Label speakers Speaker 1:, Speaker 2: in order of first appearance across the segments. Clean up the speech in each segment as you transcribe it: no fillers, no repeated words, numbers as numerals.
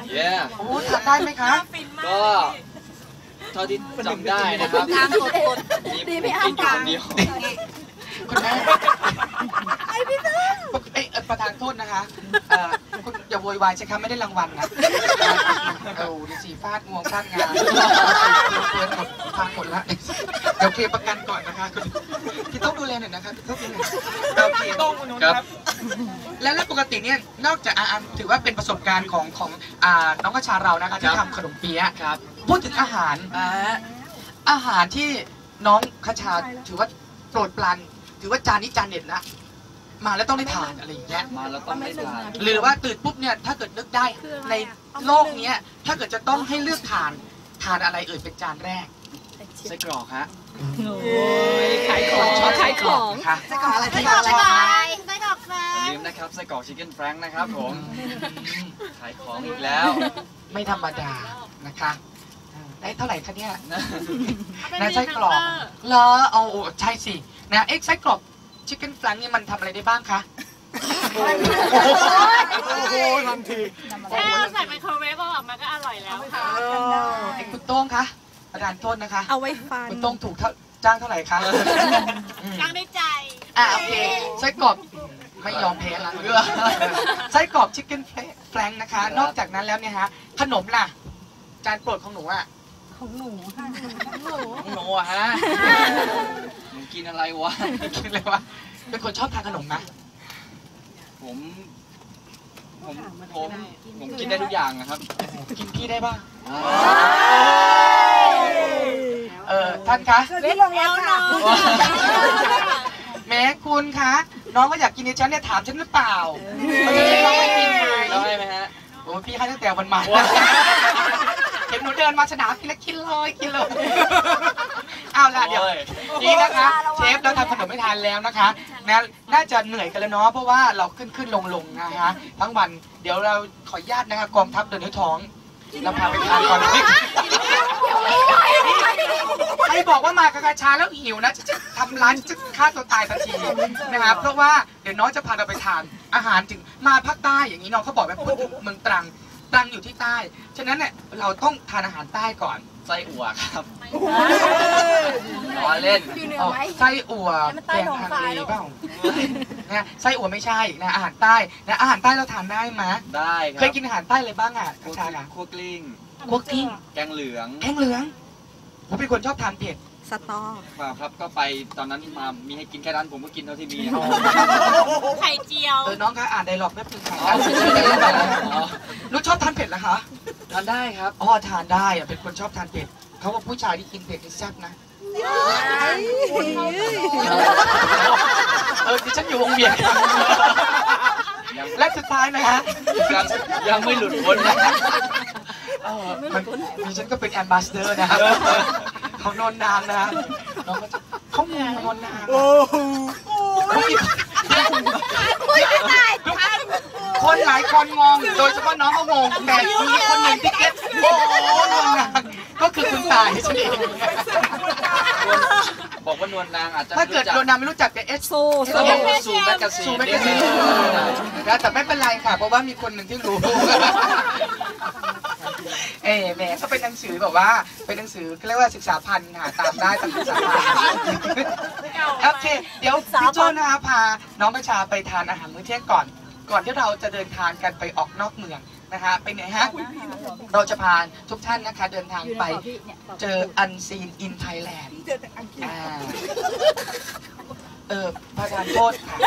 Speaker 1: โอ้ทานได้ไหมคะ
Speaker 2: ก็เท่าที่จำได้นะครับดีไม่กินอยู่คนเดียว
Speaker 1: คุณแม่ประธานโทษนะคะคุณอย่าโวยวายใช่ไหมไม่ได้รางวัลนะดูสิฟาดงวงฟาดงานเกินหมดพังหมดละเดี๋ยวเคลียร์ประกันก่อนนะคะพี่ต้องดูแลหน่อยนะคะพี่ต้องดูแลโอเคครับแล้วปกติเนี่ยนอกจากถือว่าเป็นประสบการณ์ของน้องกระชาเรานะคะที่ทำขนมเปี๊ยะครับพูดถึงอาหารที่น้องกระชาถือว่าโปรดปรานถือว่าจานนี้จานเด็ดละมาแล้วต้องได้ทานอะไรอย่างเงี้ย
Speaker 2: มาแล้วต้องได้ทาน
Speaker 1: หรือว่าตื่นปุ๊บเนี่ยถ้าเกิดนึกได้ในโลกนี้ถ้าเกิดจะต้องให้เลือกทานอะไรเอ่ยเป็นจานแรก
Speaker 2: ไส้กรอกฮะ
Speaker 3: ขายของ
Speaker 1: ขายของค่ะไส้กรอกอะไรไส้กรอกอะไร
Speaker 3: ไส้กรอกแฟรง
Speaker 2: อย่าลืมนะครับไส้กรอกชิคเก้นแฟรงค์นะครับผมขายของอีกแล้ว
Speaker 1: ไม่ธรรมดานะคะได้เท่าไหร่คะเนี่ยนะไส้กรอกเหรอเอาใช่สินะไส้กรอกชิคเก้นแฟรงค์นี่มันทำอะไรได้บ้างคะ
Speaker 4: โอ้โหทันที
Speaker 3: แค่ใส่ไมโครเวฟออกมาก็อร่อยแล้วค่ะ
Speaker 1: คุณโต้งคะประธานโทษนะคะ
Speaker 5: เอาไว้ฟัน
Speaker 1: คุณโต้งถูกจ้างเท่าไหร่คะ
Speaker 3: จ้างได้ใจ
Speaker 1: โอเคไส้กรอกไม่ยอมแพ้ละไส้กรอกชิคเก้นแฟรงค์นะคะนอกจากนั้นแล้วเนี่ยฮะขนมล่ะจานโปรดของหนู
Speaker 5: ของหนูค่ะ
Speaker 2: ของหนูฮะหนูกินอะไรวะ
Speaker 1: กินอะไรวะเป็นคนชอบทานขนมนะ
Speaker 2: ผมกินได้ทุกอย่างนะครับ
Speaker 1: กินพี่ได้ป่ะท่านคะ
Speaker 5: พี่ลงแล้วค่ะ
Speaker 1: แม้คุณคะน้องก็อยากกินในฉันเนี่ยถามฉันหรือเปล่าน้องไม่กินเลย
Speaker 2: ไหมฮะ
Speaker 1: โอ้พี่ให้ตั้งแต่วันมาเห็นหนูเดินมาสนามกินแล้วกินเลยเอาล่ะเดี๋ยวนี่นะคะเชฟเราทำขนมไม่ทานแล้วนะคะน่าจะเหนื่อยกันแล้วเนาะเพราะว่าเราขึ้นลงนะคะทั้งวันเดี๋ยวเราขออนุญาตนะคะกองทัพเดินด้วยท้องเราพาไปทานก่อนใครบอกว่ามากระชาแล้วหิวนะจะทำร้านจะฆ่าตัวตายทันทีนะครับเพราะว่าเดี๋ยวน้องจะพาเราไปทานอาหารถึงมาภาคใต้อย่างนี้น้องเขาบอกว่าพูดถึงเมืองตรังอยู่ที่ใต้ฉะนั้นเนี่ยเราต้องทานอาหารใต้ก่อน
Speaker 2: ไส้อั่วครับล้อเล่น
Speaker 1: ไส้อั่วแกงฮังเลเปล่านะไส้อั่วไม่ใช่นะอาหารใต้นะอาหารใต้เราทานได้ไหม
Speaker 2: ได้ครับ
Speaker 1: เคยกินอาหารใต้เลยบ้างกระชา
Speaker 2: คั่วกลิ้งแกงเหลือง
Speaker 1: ผมเป็นคนชอบทานเผ็ด
Speaker 5: สตอ
Speaker 2: ครับก็ไปตอนนั้นมามีให้กินแค่นั้นผมก็กินเท่าที่มี
Speaker 3: ไข่เจียว
Speaker 1: น้องคะอ่านไดร็อกแป๊บนึงค่ะนุชชอบทานเผ็ดเหรอคะ
Speaker 2: ทานได้ครับ
Speaker 1: ทานได้เป็นคนชอบทานเผ็ดเขาว่าผู้ชายที่กินเผ็ดนี่แซ่บนะดิฉันอยู่วงเวียนและสุดท้ายนะฮะ
Speaker 2: ยังไม่หลุดพ้น
Speaker 1: ดิฉันก็เป็นแอมบาสเดอร์นะครับเขานอนนานนะน้องก็เขานอนนานคนหลายคนงงโดยเฉพาะน้องเขางงแต่มีคนหนึ่งที่เก็ตนอนนานก็คือคุณตายใช่ไหม
Speaker 2: บอกว่านวลนางอาจจะ
Speaker 1: ถ้าเกิดนวลนางไม่รู้จักแต่
Speaker 5: โซ
Speaker 2: แมกกาซีน
Speaker 1: แต่ไม่เป็นไรค่ะเพราะว่ามีคนหนึ่งที่รู้แหมก็เป็นหนังสือแบบว่าเป็นหนังสือเรียกว่าศึกษาพันธ์หาตามได้ตามศึกษาพันธ์โอเคเดี๋ยวพี่โจ้นะคะพาน้องประชาไปทานอาหารมื้อเที่ยงก่อนที่เราจะเดินทางกันไปออกนอกเมืองนะคะไปไหนฮะเราจะพาทุกท่านนะคะเดินทางไปเจอ Unseen in Thailand ประธานโทษค่ะ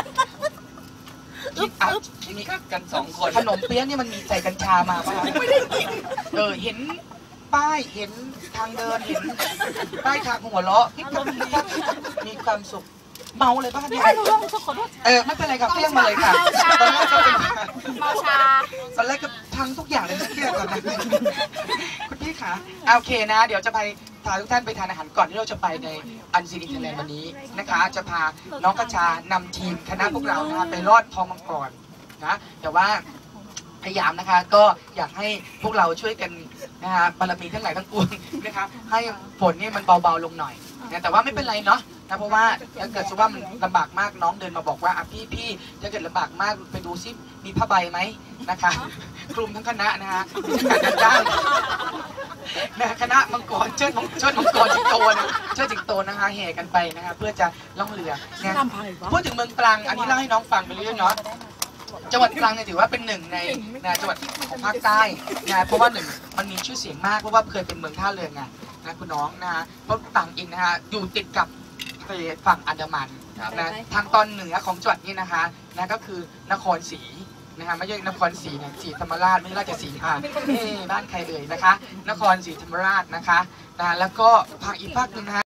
Speaker 2: คิดมีกัน2 คน
Speaker 1: ขนมเปี๊ยะนี่มันมีใส่กัญชามาป่ะเห็นป้ายเห็นทางเดินเห็นป้ายทางหัวเราะมีความสุขเมาเลยป่ะเนี่ยไม่เป็นไรครับเรียกมาเลยค่ะตอนแรกก็เป็น
Speaker 3: เมาชา
Speaker 1: ตอนแรกก็พังทุกอย่างเลยเครียดก่อนนะคุณพี่คะโอเคนะเดี๋ยวจะไปพาทุกท่านไปทานอาหารก่อนที่เราจะไปในอันซีรีส์ไทยแลนด์วันนี้นะคะจะพาน้องกระชานำทีมคณะพวกเรานะคะไปรอดทองมังกรนะแต่ว่าพยายามนะคะก็อยากให้พวกเราช่วยกันนะคะบารมีทั้งหลายทั้งปวงนะคะให้ฝนนี่มันเบาๆลงหน่อยนะแต่ว่าไม่เป็นไรเนาะนะเพราะว่าถ้าเกิดสมมติว่ามันลำบากมากน้องเดินมาบอกว่าพี่ถ้าเกิดลำบากมากไปดูซิมีผ้าใบไหมนะคะคลุมทั้งคณะนะฮะการจัดจ้างนะคณะมังกรเชิดมังกรสิงโตนะเชิดสิงโตนะคะแห่กันไปนะคะเพื่อจะล่องเรือนะพูดถึงเมืองตรังอันนี้เล่าให้น้องฟังไปเรื่อยๆเนาะจังหวัดตรังเนี่ยถือว่าเป็นหนึ่งในจังหวัดของภาคใต้นะเพราะว่าหนึ่งมันมีชื่อเสียงมากเพราะว่าเคยเป็นเมืองท่าเรือไงนะคุณน้องนะฮะเพราะตรังเองนะฮะอยู่ติดกับทะเลฝั่งอันดามันนะทางตอนเหนือของจังหวัดนี้นะคะนะก็คือนครศรีนะคะไม่ใช่นครศรีนะศรีธรรมราชไม่ใช่ราชสีมาบ้านใครเอ่ยนะคะนครศรีธรรมราชนะคะแล้วก็ภาคอีกภาคหนึ่งนะฮะ